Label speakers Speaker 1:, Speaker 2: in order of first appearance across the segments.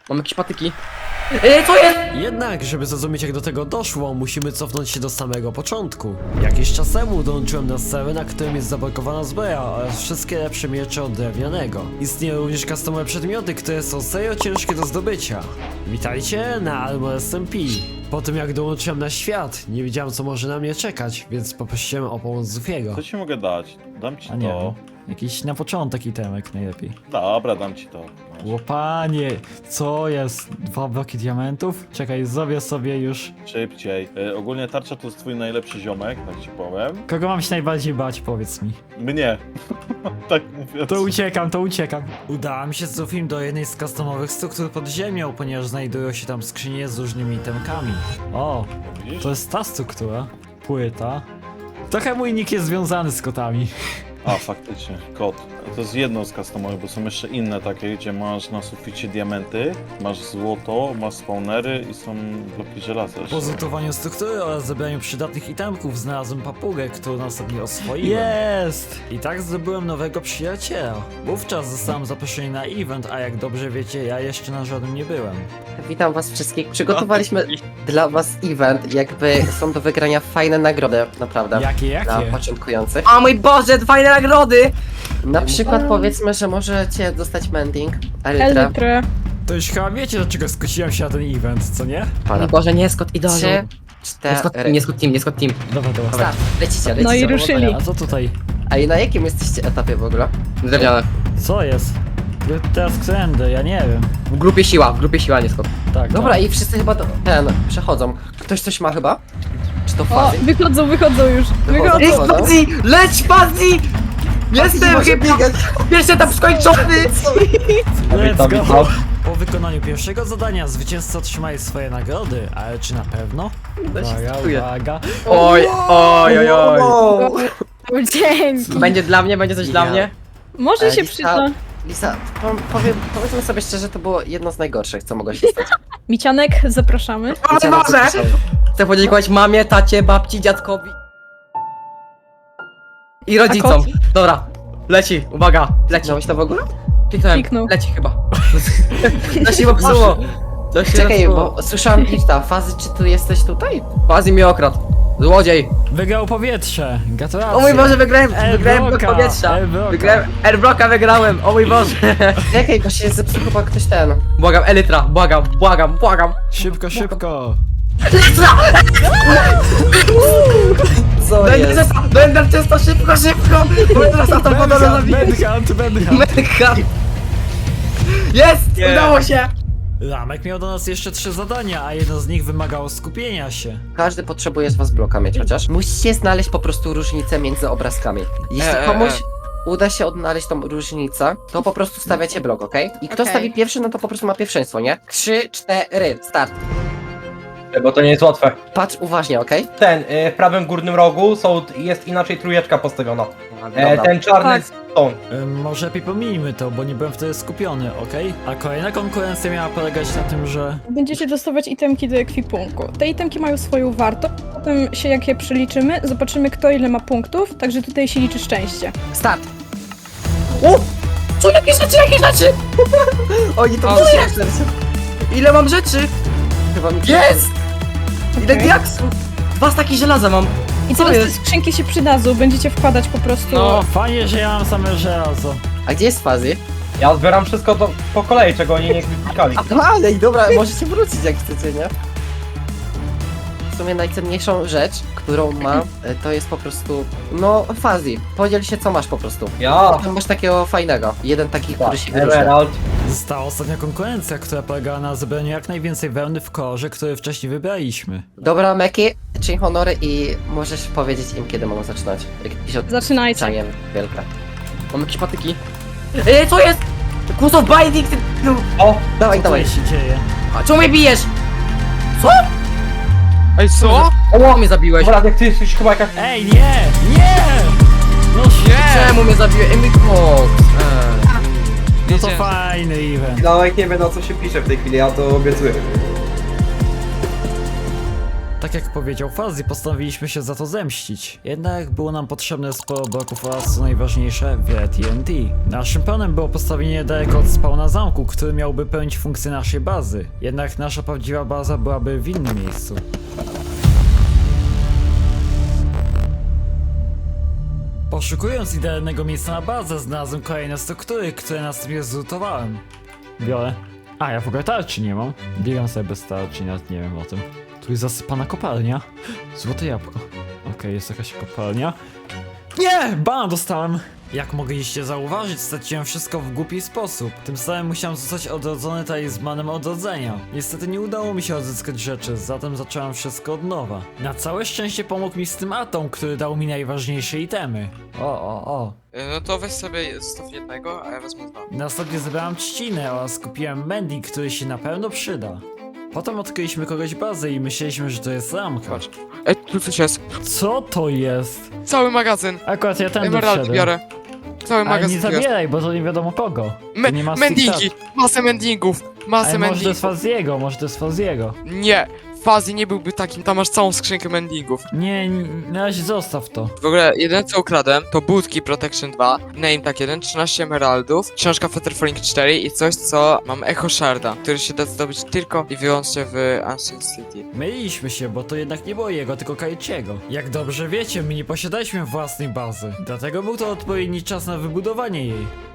Speaker 1: Mam jakieś patyki. Ej, co jest?
Speaker 2: Jednak, żeby zrozumieć jak do tego doszło, musimy cofnąć się do samego początku. Jakiś czas temu dołączyłem na serwer, na którym jest zablokowana zbroja oraz wszystkie lepsze miecze od drewnianego. Istnieją również customowe przedmioty, które są serio ciężkie do zdobycia. Witajcie na Armor SMP. Po tym jak dołączyłem na świat, nie wiedziałem co może na mnie czekać, więc poprosiłem o pomoc Zufiego.
Speaker 3: Co ci mogę dać? Dam ci
Speaker 2: A nie
Speaker 3: to.
Speaker 2: wiem, jakiś na początek itemek najlepiej.
Speaker 3: Dobra, dam ci to. Masz.
Speaker 2: Łopanie, co jest? 2 bloki diamentów? Czekaj, zrobię sobie już...
Speaker 3: Szybciej. Ogólnie tarcza to jest twój najlepszy ziomek, tak ci powiem.
Speaker 2: Kogo mam się najbardziej bać, powiedz mi?
Speaker 3: Mnie. Tak mówię.
Speaker 2: To uciekam. Udałem się z Zufim do jednej z customowych struktur pod ziemią, ponieważ znajdują się tam skrzynie z różnymi itemkami. O,
Speaker 3: Widzisz?
Speaker 2: to jest ta struktura. Płyta. Trochę mój nick jest związany z kotami.
Speaker 3: A, faktycznie. Kot. To jest jedno z customowych, bo są jeszcze inne takie, gdzie masz na suficie diamenty, masz złoto, masz spawnery i są bloki żelaza jeszcze.
Speaker 2: Po zlutowaniu struktury oraz zebraniu przydatnych itemków znalazłem papugę, którą następnie oswoiłem. Jest! I tak zdobyłem nowego przyjaciela. Wówczas zostałem zaproszony na event, a jak dobrze wiecie, ja jeszcze na żadnym nie byłem.
Speaker 1: Witam was wszystkich. Przygotowaliśmy dla was event, jakby są do wygrania fajne nagrody, naprawdę.
Speaker 2: Jakie?
Speaker 1: Dla początkujących. O mój Boże, fajne nagrody! Na przykład powiedzmy, że możecie dostać mending, elytrę.
Speaker 4: Elytrę.
Speaker 2: To już chyba wiecie, dlaczego skusiłem się na ten event, co nie?
Speaker 1: O mój Boże, nie, Scott Idolu. 3, 4,
Speaker 5: Nie Scott Team, nie Scott Team.
Speaker 2: Dobra.
Speaker 1: start. Lecicie.
Speaker 4: No i ruszyli.
Speaker 2: A co tutaj?
Speaker 1: A i na jakim jesteście etapie w ogóle?
Speaker 5: Drewniane.
Speaker 2: Co jest? Teraz którędy? Ja nie wiem.
Speaker 5: W grupie siła, nie Scott.
Speaker 2: Tak,
Speaker 1: Dobra,
Speaker 2: tak.
Speaker 1: i wszyscy chyba przechodzą. Ktoś coś ma chyba? Czy to
Speaker 4: O,
Speaker 1: fazy?
Speaker 4: wychodzą już.
Speaker 1: Wychodzą.
Speaker 4: Wychodzą.
Speaker 1: Fazji! Leć Fazji! Jestem chyba pierwszy etap skończony!
Speaker 2: Let's go! Po wykonaniu pierwszego zadania zwycięzca otrzymaje swoje nagrody, ale czy na pewno? Uwaga.
Speaker 5: Oj.
Speaker 4: O, dzięki.
Speaker 5: Będzie dla mnie, będzie coś dla mnie.
Speaker 4: Może się
Speaker 1: Lisa,
Speaker 4: przyda.
Speaker 1: Lisa, powiedzmy sobie szczerze, to było jedno z najgorszych, co mogło się stać.
Speaker 4: Micianek, zapraszamy.
Speaker 1: Wiecie, na co
Speaker 5: Boże!
Speaker 1: piszą?
Speaker 5: Chcę podziękować mamie, tacie, babci, dziadkowi. I rodzicom.
Speaker 4: kot?
Speaker 5: Dobra, leci, uwaga, leci.
Speaker 1: Kliknąłeś to w ogóle?
Speaker 5: Kliknąłem,
Speaker 4: Kliknął.
Speaker 5: leci chyba. To się popsuło. To się
Speaker 1: Czekaj,
Speaker 5: popsuło.
Speaker 1: bo słyszałam lifta. Fazy, czy ty jesteś tutaj?
Speaker 5: Fazji mnie okradł. Złodziej.
Speaker 2: Wygrał powietrze. Gratulacje.
Speaker 5: O mój Boże, wygrałem blok
Speaker 2: Airblocka,
Speaker 5: powietrza.
Speaker 2: Airblocka.
Speaker 5: Wygrałem, Airblocka wygrałem, o mój Boże.
Speaker 1: Czekaj, bo się zepsuł chyba ktoś ten.
Speaker 5: Błagam, Elytra, błagam.
Speaker 2: Szybko.
Speaker 1: Co
Speaker 5: Do Ender czysto, szybko. Bo teraz na tą wodę zabiję.
Speaker 2: Manhunt.
Speaker 5: Mega. Jest, udało się.
Speaker 2: Lamek miał do nas jeszcze 3 zadania, a jedno z nich wymagało skupienia się.
Speaker 1: Każdy potrzebuje z was bloka mieć chociaż. Musicie znaleźć po prostu różnicę między obrazkami. Jeśli komuś uda się odnaleźć tą różnicę, to po prostu stawiacie blok, okej? I kto
Speaker 4: Okej.
Speaker 1: stawi pierwszy, no to po prostu ma pierwszeństwo, nie? 3, 4, start.
Speaker 6: Bo to nie jest łatwe.
Speaker 1: Patrz uważnie, okej?
Speaker 6: W prawym górnym rogu jest inaczej trójeczka postawiona.
Speaker 1: Dobra.
Speaker 6: Ten czarny
Speaker 4: Tak.
Speaker 6: stone.
Speaker 2: Może lepiej pomijmy to, bo nie byłem wtedy skupiony, okej? A kolejna konkurencja miała polegać na tym, że...
Speaker 4: Będziecie dostawać itemki do ekwipunku. Te itemki mają swoją wartość. Potem się jak je przeliczymy, zobaczymy kto ile ma punktów, także tutaj się liczy szczęście.
Speaker 1: Start. Co, jakie rzeczy?
Speaker 5: Oni to
Speaker 1: O,
Speaker 5: przyjaciół. Ile mam rzeczy?
Speaker 1: Chyba mi
Speaker 5: Jest! Ile
Speaker 4: Okej.
Speaker 5: diaksów? 2 staki żelaza mam.
Speaker 4: I
Speaker 5: Co
Speaker 4: teraz te
Speaker 5: jest?
Speaker 4: skrzynki się przydadzą, będziecie wkładać po prostu...
Speaker 2: No, fajnie, że ja mam same żelazo.
Speaker 1: A gdzie jest Fazy?
Speaker 6: Ja zbieram wszystko po kolei, czego oni nie klikali.
Speaker 1: No ale i dobra, możecie wrócić jak chcecie, nie? W sumie najcenniejszą rzecz, którą ma, to jest po prostu, no, Fazy. Podziel się co masz po prostu.
Speaker 6: Ja.
Speaker 1: Tam masz takiego fajnego. Jeden taki, który się wyróżnia.
Speaker 6: Emerald.
Speaker 2: Została ostatnia konkurencja, która polegała na zebraniu jak najwięcej wełny w kolorze, który wcześniej wybraliśmy.
Speaker 1: Dobra, Meki, czyń honory i możesz powiedzieć im, kiedy mogą zaczynać. Jakieś
Speaker 4: Zaczynajcie.
Speaker 1: odliczanie wielkie.
Speaker 5: Mam jakieś patyki. Ej, co jest? Kłos of binding, ty...
Speaker 6: O!
Speaker 1: Dawaj,
Speaker 2: Co
Speaker 1: dawaj.
Speaker 2: się dzieje?
Speaker 5: A czemu mnie bijesz?
Speaker 7: Ej, co?
Speaker 5: O, mnie zabiłeś.
Speaker 6: Dobra, jak ty jesteś chyba jakaś...
Speaker 2: Ej, nie! No
Speaker 5: Czemu mnie zabiłeś? Ej, mój Fox.
Speaker 2: No to fajny event.
Speaker 8: Nawet nie wiem na co się pisze w tej chwili, ja to obiecuję.
Speaker 2: tak jak powiedział Fuzzy, postanowiliśmy się za to zemścić. Jednak było nam potrzebne sporo bloków oraz co najważniejsze, wiele TNT. Naszym planem było postawienie daleko od spawna zamku, który miałby pełnić funkcję naszej bazy. Jednak nasza prawdziwa baza byłaby w innym miejscu. Poszukując idealnego miejsca na bazę, znalazłem kolejne struktury, które następnie zlutowałem. Biorę. A, ja w ogóle tarczy nie mam. Biegam sobie bez tarczy, nawet nie wiem o tym. Tu jest zasypana kopalnia. Złote jabłko. Okej, jest jakaś kopalnia. Nie! Bana dostałem! Jak mogliście zauważyć, straciłem wszystko w głupi sposób. Tym samym musiałem zostać odrodzony talizmanem odrodzenia. Niestety nie udało mi się odzyskać rzeczy, zatem zacząłem wszystko od nowa. Na całe szczęście pomógł mi z tym Atom, który dał mi najważniejsze itemy. O.
Speaker 7: No to weź sobie zostaw jednego, a ja wezmę dwa.
Speaker 2: Następnie zebrałem trzcinę oraz kupiłem mending, który się na pewno przyda. Potem odkryliśmy kogoś bazę i myśleliśmy, że to jest ramka.
Speaker 7: Patrz. Ej, tu coś jest.
Speaker 2: Co to jest?
Speaker 7: Cały magazyn.
Speaker 2: Akurat ja tędy
Speaker 7: Emerald
Speaker 2: wszedłem.
Speaker 7: biorę. Cały
Speaker 2: Ale
Speaker 7: magazyn
Speaker 2: nie
Speaker 7: tu jest.
Speaker 2: zabieraj, bo to nie wiadomo kogo. To nie ma
Speaker 7: Mendingi!
Speaker 2: stiktat.
Speaker 7: Masę mendingów! Masę
Speaker 2: Ale może to jest
Speaker 7: mendingów!
Speaker 2: Faziego, może to jest Faziego.
Speaker 7: Nie! Fuzzy nie byłby takim, tam masz całą skrzynkę mendingów.
Speaker 2: Nie, na razie zostaw to.
Speaker 7: W ogóle, jedyne co ukradłem, to budki Protection 2, Name Tag 1, 13 emeraldów, książka Feather Falling 4 i coś, co mam Echo Sharda, który się da zdobyć tylko i wyłącznie w Ancient City.
Speaker 2: Myliliśmy się, bo to jednak nie było jego, tylko Kaichiego. Jak dobrze wiecie, my nie posiadaliśmy własnej bazy. Dlatego był to odpowiedni czas na wybudowanie jej.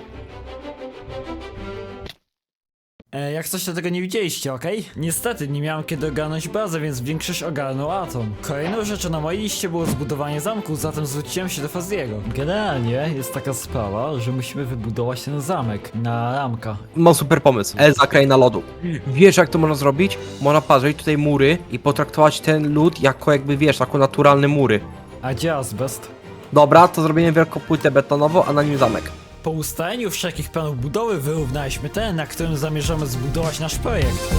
Speaker 2: Jak coś to tego nie widzieliście, okej? Niestety nie miałem kiedy ogarnąć bazę, więc większość ogarnął Atom. Kolejną rzeczą na mojej liście było zbudowanie zamku, zatem zwróciłem się do Faziego. Generalnie jest taka sprawa, że musimy wybudować ten zamek na ramka.
Speaker 6: Mam super pomysł. Elza, kraina lodu. Wiesz jak to można zrobić? Można parzyć tutaj mury i potraktować ten lód jako jakby wiesz, jako naturalne mury.
Speaker 2: A gdzie azbest?
Speaker 6: Dobra, to zrobimy wielką płytę betonową, a na nim zamek.
Speaker 2: Po ustaleniu wszelkich planów budowy wyrównaliśmy ten, na którym zamierzamy zbudować nasz projekt.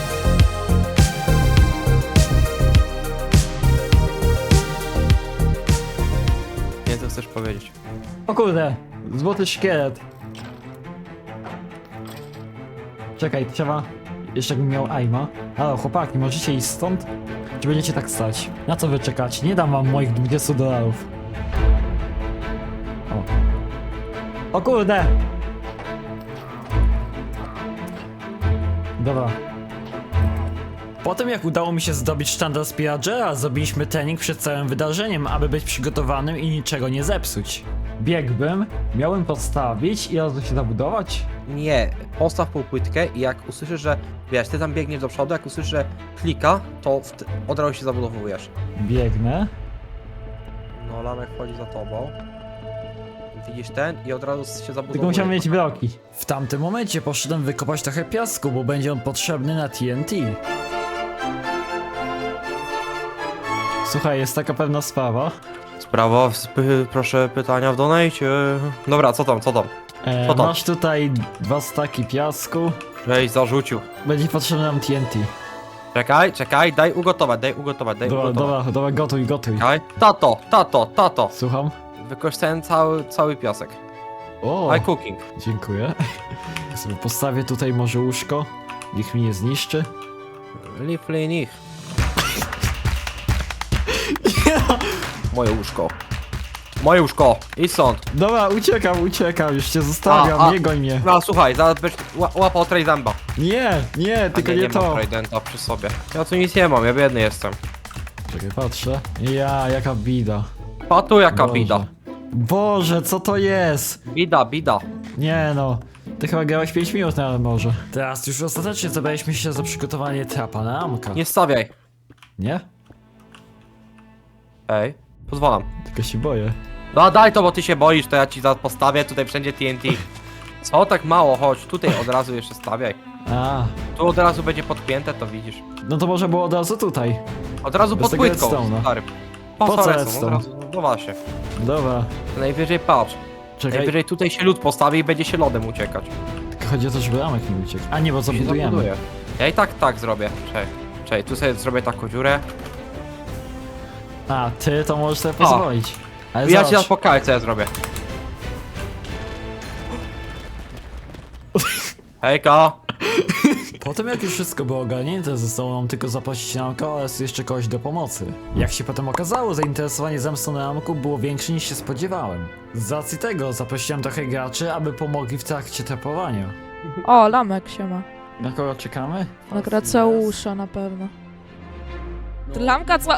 Speaker 6: Nie, co chcesz powiedzieć?
Speaker 2: O kurde, złoty szkielet. Czekaj, trzeba... Jeszcze bym miał aima. Halo, chłopaki, możecie iść stąd? Czy będziecie tak stać? Na co wy czekacie? Nie dam wam moich $20. O kurde! Dobra. Potem jak udało mi się zdobyć sztandar Spiragera, zrobiliśmy trening przed całym wydarzeniem, aby być przygotowanym i niczego nie zepsuć. Biegłbym, miałem podstawić i razu się zabudować?
Speaker 6: Nie, postaw półpłytkę i jak usłyszysz, że wiesz, ty tam biegniesz do przodu, jak usłyszysz, że klika, to od razu się zabudowujesz.
Speaker 2: Biegnę.
Speaker 6: No, lamek wchodzi za tobą. Widzisz ten i od razu się zabudowuje.
Speaker 2: Tylko musiałem mieć bloki. W tamtym momencie poszedłem wykopać trochę piasku, bo będzie on potrzebny na TNT. Słuchaj, jest taka pewna sprawa.
Speaker 6: Sprawa, proszę pytania w donajcie. Dobra, co tam? Co tam?
Speaker 2: Masz tutaj 2 staki piasku.
Speaker 6: Żeś zarzucił.
Speaker 2: Będzie potrzebne nam TNT.
Speaker 6: Czekaj, daj ugotować.
Speaker 2: Dobra, gotuj.
Speaker 6: Czekaj. Tato.
Speaker 2: Słucham?
Speaker 6: Wykorzystałem cały piasek.
Speaker 2: O,
Speaker 6: I cooking.
Speaker 2: dziękuję. Ja sobie postawię tutaj może łóżko. Niech mi nie zniszczy.
Speaker 6: Liflinich. Moje łóżko. Idź stąd.
Speaker 2: Dobra, uciekam, już cię zostawiam, nie goń mnie.
Speaker 6: No słuchaj, zaraz będziesz łapał Tridenta.
Speaker 2: Nie, tylko nie
Speaker 6: mam
Speaker 2: to.
Speaker 6: Tridenta przy sobie. Ja tu nic nie mam, ja biedny jestem.
Speaker 2: Czekaj, patrzę. Jaka bida.
Speaker 6: Patu jaka
Speaker 2: Boże.
Speaker 6: bida.
Speaker 2: Boże, co to jest?
Speaker 6: Bida.
Speaker 2: Nie no. Ty chyba grałeś 5 minut na morze. Teraz już ostatecznie zabraliśmy się za przygotowanie trapa na ramka.
Speaker 6: Nie stawiaj.
Speaker 2: Nie?
Speaker 6: Ej, pozwalam.
Speaker 2: Tylko się boję.
Speaker 6: No daj to, bo ty się boisz, to ja ci zaraz postawię tutaj wszędzie TNT. Co tak mało, chodź, tutaj od razu jeszcze stawiaj.
Speaker 2: A,
Speaker 6: Tu od razu będzie podpięte, to widzisz.
Speaker 2: no to może było od razu tutaj.
Speaker 6: Od razu
Speaker 2: Bez
Speaker 6: pod
Speaker 2: tego
Speaker 6: płytką,
Speaker 2: redstone'a.
Speaker 6: stary.
Speaker 2: Po co
Speaker 6: redstone?
Speaker 2: redstone?
Speaker 6: Od razu, no właśnie.
Speaker 2: Dobra,
Speaker 6: Najwyżej patrz.
Speaker 2: czekaj.
Speaker 6: Najwyżej tutaj się lód postawi i będzie się lodem uciekać.
Speaker 2: Tylko chodzi o to, żeby ramek nie uciekł. A nie, bo
Speaker 6: Się
Speaker 2: zabudujemy.
Speaker 6: zabuduje. Ja i tak zrobię. Czekaj, tu sobie zrobię taką dziurę.
Speaker 2: A, ty to możesz sobie pozwolić. Ale
Speaker 6: Ja ci
Speaker 2: zobacz.
Speaker 6: teraz pokażę, co ja zrobię. Hejka!
Speaker 2: Potem jak już wszystko było ogarnięte, zostało nam tylko zaprosić Namka oraz jeszcze kogoś do pomocy. Jak się potem okazało, zainteresowanie zemstą na Namku było większe niż się spodziewałem. Z racji tego zaprosiłem trochę graczy, aby pomogli w trakcie trapowania.
Speaker 8: O, Lamek się ma.
Speaker 2: Na kogo czekamy?
Speaker 8: Na Graceusza na pewno. Lamka co?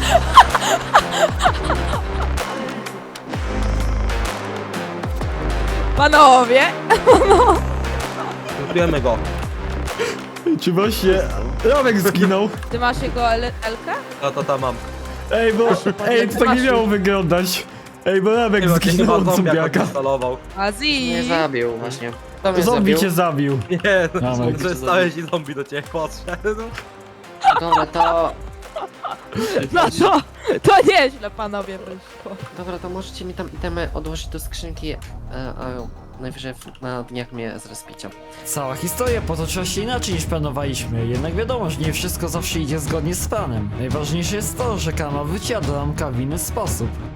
Speaker 8: Panowie!
Speaker 6: Lutujemy go.
Speaker 2: Czy właśnie Ramek zginął?
Speaker 8: Ty masz jego Elkę?
Speaker 6: Ta mam.
Speaker 2: Ej, bo... Ej, to tak nie miało wyglądać. Ej, bo Ramek
Speaker 6: Chyba
Speaker 2: zginął od
Speaker 6: zombie
Speaker 2: zombiaka.
Speaker 6: instalował.
Speaker 8: Azji!
Speaker 5: Nie zabił właśnie. To mnie
Speaker 2: Zombie
Speaker 5: zabił.
Speaker 2: cię zabił.
Speaker 6: Nie,
Speaker 2: Ramek.
Speaker 6: zostałeś i zombie do ciebie podszedł.
Speaker 5: Dobra, to...
Speaker 8: No to nieźle panowie wyszło.
Speaker 1: Dobra, to możecie mi tam itemy odłożyć do skrzynki, a najwyżej na dniach mnie zrespicie.
Speaker 2: Cała historia potoczyła się inaczej niż planowaliśmy, jednak wiadomo, że nie wszystko zawsze idzie zgodnie z planem. Najważniejsze jest to, że Kama wyciąga Ramka w inny sposób.